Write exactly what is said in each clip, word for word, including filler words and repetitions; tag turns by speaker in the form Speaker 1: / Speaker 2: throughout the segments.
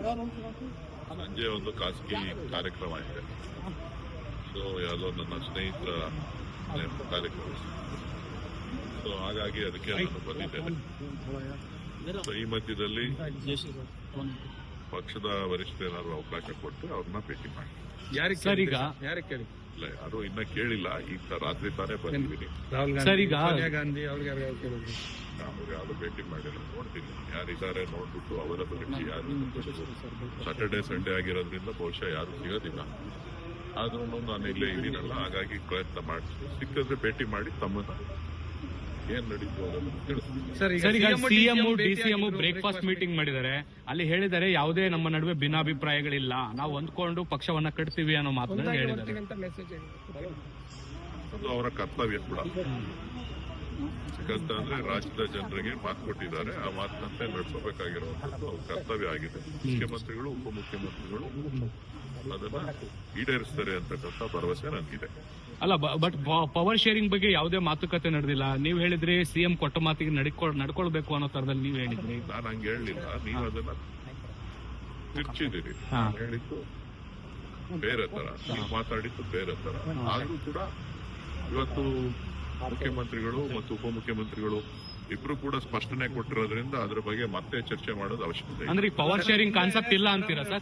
Speaker 1: ಸಂಜೆ ಒಂದು ಖಾಸಗಿ ಕಾರ್ಯಕ್ರಮ ಇದೆ. ಸೊ ಯಾವುದೋ ನನ್ನ ಸ್ನೇಹಿತರ ಕಾರ್ಯಕ್ರಮ. ಸೊ ಹಾಗಾಗಿ ಅದಕ್ಕೆ ನಾನು ಬಂದಿದ್ದೇನೆ. ಸೊ ಈ ಮಧ್ಯದಲ್ಲಿ ಪಕ್ಷದ ವರಿಷ್ಠರು ಅವಕಾಶ ಕೊಟ್ಟು ಅವ್ರನ್ನ ಭೇಟಿ ಮಾಡಿ.
Speaker 2: ಸರ್ ಈಗ
Speaker 1: ಇಲ್ಲ, ಯಾರು ಇನ್ನ ಕೇಳಿಲ್ಲ. ಈಗ ರಾತ್ರಿ ತಾನೇ ಬಂದಿದ್ದೀನಿ.
Speaker 2: ಸರ್ ಈಗ
Speaker 1: ಅವ್ರಿಗೆ ಯಾರು ಭೇಟಿ ಮಾಡಿಲ್ಲ. ನೋಡ್ತೀನಿ ಯಾರಿದ್ದಾರೆ ನೋಡ್ಬಿಟ್ಟು ಅವೈಲಬಿಲಿಟಿ ಯಾರು. ಸಾಟರ್ಡೆ ಸಂಡೇ ಆಗಿರೋದ್ರಿಂದ ಬಹುಶಃ ಯಾರು ಸಿಗೋದಿಲ್ಲ. ಆದ್ರೂ ನಾನು ಇಲ್ಲೇ ಇದ್ದೀನಲ್ಲ, ಹಾಗಾಗಿ ಪ್ರಯತ್ನ ಮಾಡ್ತೀನಿ. ಸಿಕ್ಕಿದ್ರೆ ಭೇಟಿ ಮಾಡಿ ತಮ್ಮನ್ನ ಏನ್ ನಡೀತು ಅದನ್ನು ತಿಳಿಸ್ತೀನಿ.
Speaker 2: ಸರ್ ಈಗ ಸಿಎಂ ಡಿಸಿಎಂ ಬ್ರೇಕ್ಫಾಸ್ಟ್ ಮೀಟಿಂಗ್ ಮಾಡಿದ್ದಾರೆ. ಅಲ್ಲಿ ಹೇಳಿದ್ದಾರೆ ಯಾವುದೇ ನಮ್ಮ ನಡುವೆ ಭಿನ್ನಾಭಿಪ್ರಾಯಗಳಿಲ್ಲ, ನಾವು ಹೊಂದ್ಕೊಂಡು ಪಕ್ಷವನ್ನ ಕಟ್ತೀವಿ ಅನ್ನೋ ಮಾತನ್ನ ಹೇಳಿದ್ದಾರೆ.
Speaker 1: ಅದು ಅವರ ಕರ್ತವ್ಯ ಕೂಡ. ಯಾಕಂತಂದ್ರೆ ರಾಜ್ಯದ ಜನರಿಗೆ ಮಾತು ಕೊಟ್ಟಿದ್ದಾರೆ, ಆ ಮಾತಿನಂತೆ ನಡೆಸಬೇಕಾಗಿರುವಂತದ್ದು ಅವ್ರ ಕರ್ತವ್ಯ ಆಗಿದೆ. ಮುಖ್ಯಮಂತ್ರಿಗಳು ಉಪಮುಖ್ಯಮಂತ್ರಿಗಳು ಅದನ್ನ ಈಡೇರಿಸ್ತಾರೆ ಅಂತಕ್ಕಂಥ ಭರವಸೆ ನನಗಿದೆ.
Speaker 2: ಅಲ್ಲ, ಬಟ್ ಪವರ್ ಶೇರಿಂಗ್ ಬಗ್ಗೆ ಯಾವುದೇ ಮಾತುಕತೆ ನಡೆದಿಲ್ಲ. ನೀವು ಹೇಳಿದ್ರಿ ಸಿಎಂ ಕೊಟ್ಟ ಮಾತಿಗೆ ನಡ್ಕೊಳ್ಬೇಕು ಅನ್ನೋ ತರದಲ್ಲಿ ನೀವು ಹೇಳಿದ್ರಿ.
Speaker 1: ನಾನು ಹಂಗೆ ಹೇಳಲಿಲ್ಲ, ನೀವು ಅದನ್ನ ತಿರ್ಚಿದಿರಿ. ಹೇಳಿದ್ದು ಬೇರೆ ತರ, ನೀವು ಮಾತಾಡಿದ್ದು ಬೇರೆ ತರ. ಆದ್ರೂ ಕೂಡ ಇವತ್ತು ಮುಖ್ಯಮಂತ್ರಿಗಳು ಮತ್ತು ಉಪಮುಖ್ಯಮಂತ್ರಿಗಳು ಇಬ್ರು ಕೂಡ ಸ್ಪಷ್ಟನೆ ಕೊಟ್ಟಿರೋದ್ರಿಂದ ಅದ್ರ ಬಗ್ಗೆ ಮತ್ತೆ ಚರ್ಚೆ ಮಾಡೋದು ಅವಶ್ಯಕತೆ.
Speaker 2: ಅಂದ್ರೆ ಪವರ್ ಶೇರಿಂಗ್ ಕಾನ್ಸೆಪ್ಟ್ ಇಲ್ಲ ಅಂತೀರಾ ಸರ್?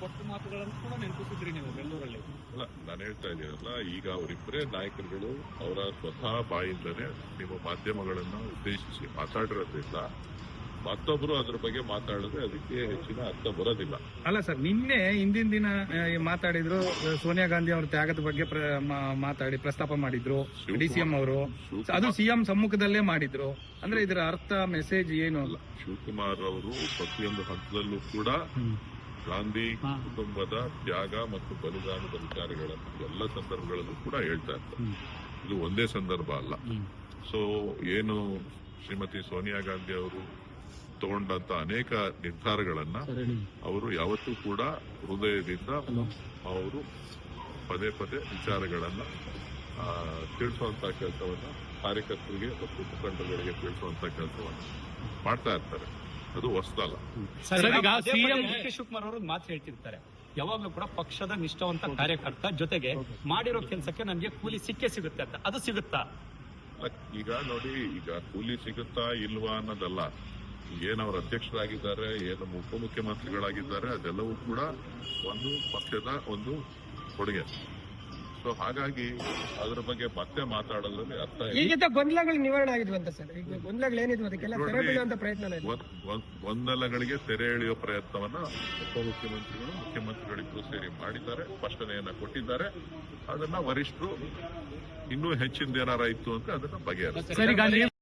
Speaker 1: ಅಲ್ಲ, ನಾನು ಹೇಳ್ತಾ ಇದ್ದೀನಲ್ಲ, ಈಗ ಅವರಿಬ್ಬರೇ ನಾಯಕರುಗಳು ಅವರ ಸ್ವತಃ ಬಾಯಿಂದನೇ ನಿಮ್ಮ ಮಾಧ್ಯಮಗಳನ್ನ ಉದ್ದೇಶಿಸಿ ಮಾತಾಡಿರೋದ್ರಿಂದ ಮತ್ತೊಬ್ರು ಅದ್ರ ಬಗ್ಗೆ ಮಾತಾಡಿದ್ರೆ ಅದಕ್ಕೆ ಹೆಚ್ಚಿನ ಅರ್ಥ ಬರೋದಿಲ್ಲ.
Speaker 3: ಅಲ್ಲ ಸರ್, ನಿನ್ನೆ ಹಿಂದಿನ ದಿನ ಮಾತಾಡಿದ್ರು, ಸೋನಿಯಾ ಗಾಂಧಿ ಅವರ ತ್ಯಾಗದ ಬಗ್ಗೆ ಮಾತಾಡಿ ಪ್ರಸ್ತಾಪ ಮಾಡಿದ್ರು ಡಿಸಿಎಂ ಅವರು. ಅದು ಸಿಎಂ ಸಮ್ಮುಖದಲ್ಲೇ ಮಾಡಿದ್ರು. ಅಂದ್ರೆ ಇದರ ಅರ್ಥ ಮೆಸೇಜ್ ಏನು ಅಲ್ಲ.
Speaker 1: ಶಿವಕುಮಾರ್ ಅವರು ಪ್ರತಿಯೊಂದು ಹಂತದಲ್ಲೂ ಕೂಡ ಗಾಂಧಿ ಕುಟುಂಬದ ತ್ಯಾಗ ಮತ್ತು ಬಲಿದಾನದ ವಿಚಾರಗಳನ್ನು ಎಲ್ಲ ಸಂದರ್ಭಗಳಲ್ಲೂ ಕೂಡ ಹೇಳ್ತಾ ಇರ್ತಾರೆ. ಇದು ಒಂದೇ ಸಂದರ್ಭ ಅಲ್ಲ. ಸೊ ಏನು ಶ್ರೀಮತಿ ಸೋನಿಯಾ ಗಾಂಧಿ ಅವರು ತಗೊಂಡಂತ ಅನೇಕ ನಿರ್ಧಾರಗಳನ್ನ ಅವರು ಯಾವತ್ತೂ ಕೂಡ ಹೃದಯದಿಂದ ಅವರು ಪದೇ ಪದೇ ವಿಚಾರಗಳನ್ನ ತಿಳಿಸುವಂತ ಕೆಲಸವನ್ನ ಕಾರ್ಯಕರ್ತರಿಗೆ ಮತ್ತು ಮುಖಂಡರುಗಳಿಗೆ ತಿಳಿಸುವಂತ ಕೆಲಸವನ್ನ ಮಾಡ್ತಾ ಇರ್ತಾರೆ. ಅದು ಹೊಸದಲ್ಲ.
Speaker 2: ಸಿಎಂ ಡಿ ಕೆ ಶಿವಕುಮಾರ್ ಅವರು ಮಾತು ಹೇಳ್ತಿರ್ತಾರೆ, ಯಾವಾಗ್ಲೂ ಕೂಡ ಪಕ್ಷದ ನಿಷ್ಠಾವಂತ ಕಾರ್ಯಕರ್ತ ಜೊತೆಗೆ ಮಾಡಿರೋ ಕೆಲಸಕ್ಕೆ ನನಗೆ ಕೂಲಿ ಸಿಕ್ಕೇ ಸಿಗುತ್ತೆ ಅಂತ. ಅದು ಸಿಗುತ್ತಾ?
Speaker 1: ಈಗ ನೋಡಿ, ಈಗ ಕೂಲಿ ಸಿಗುತ್ತಾ ಇಲ್ವಾ ಅನ್ನೋದಲ್ಲ. ಏನವ್ರ ಅಧ್ಯಕ್ಷರಾಗಿದ್ದಾರೆ, ಏನು ಉಪಮುಖ್ಯಮಂತ್ರಿಗಳಾಗಿದ್ದಾರೆ, ಅದೆಲ್ಲವೂ ಕೂಡ ಒಂದು ಪಕ್ಷದ ಒಂದು ಕೊಡುಗೆ. ಸೊ ಹಾಗಾಗಿ ಅದ್ರ ಬಗ್ಗೆ ಮತ್ತೆ ಮಾತಾಡೋದ್ರಲ್ಲಿ ಅರ್ಥ
Speaker 4: ಈಗ ಗೊಂದಲಗಳು ನಿವಾರಣೆ ಆಗಿದ್ವಂತ ಸರ್. ಈಗ ಗೊಂದಲಗಳು ಏನಿದ್ವು ಅದಕ್ಕೆಲ್ಲ ತೆರೆ ಬೀಳುವಂತ ಪ್ರಯತ್ನ
Speaker 1: ಗೊಂದಲಗಳಿಗೆ ತೆರೆ ಎಳೆಯುವ ಪ್ರಯತ್ನವನ್ನ ಉಪಮುಖ್ಯಮಂತ್ರಿಗಳು ಮುಖ್ಯಮಂತ್ರಿಗಳಿಗೂ ಸೇರಿ ಮಾಡಿದ್ದಾರೆ, ಸ್ಪಷ್ಟನೆಯನ್ನ ಕೊಟ್ಟಿದ್ದಾರೆ. ಅದನ್ನ ವರಿಷ್ಠರು ಇನ್ನೂ ಹೆಚ್ಚಿನದೇನಾರ ಇತ್ತು ಅಂತ ಅದನ್ನ ಬಗೆಹರಿಸ್ತಾರೆ.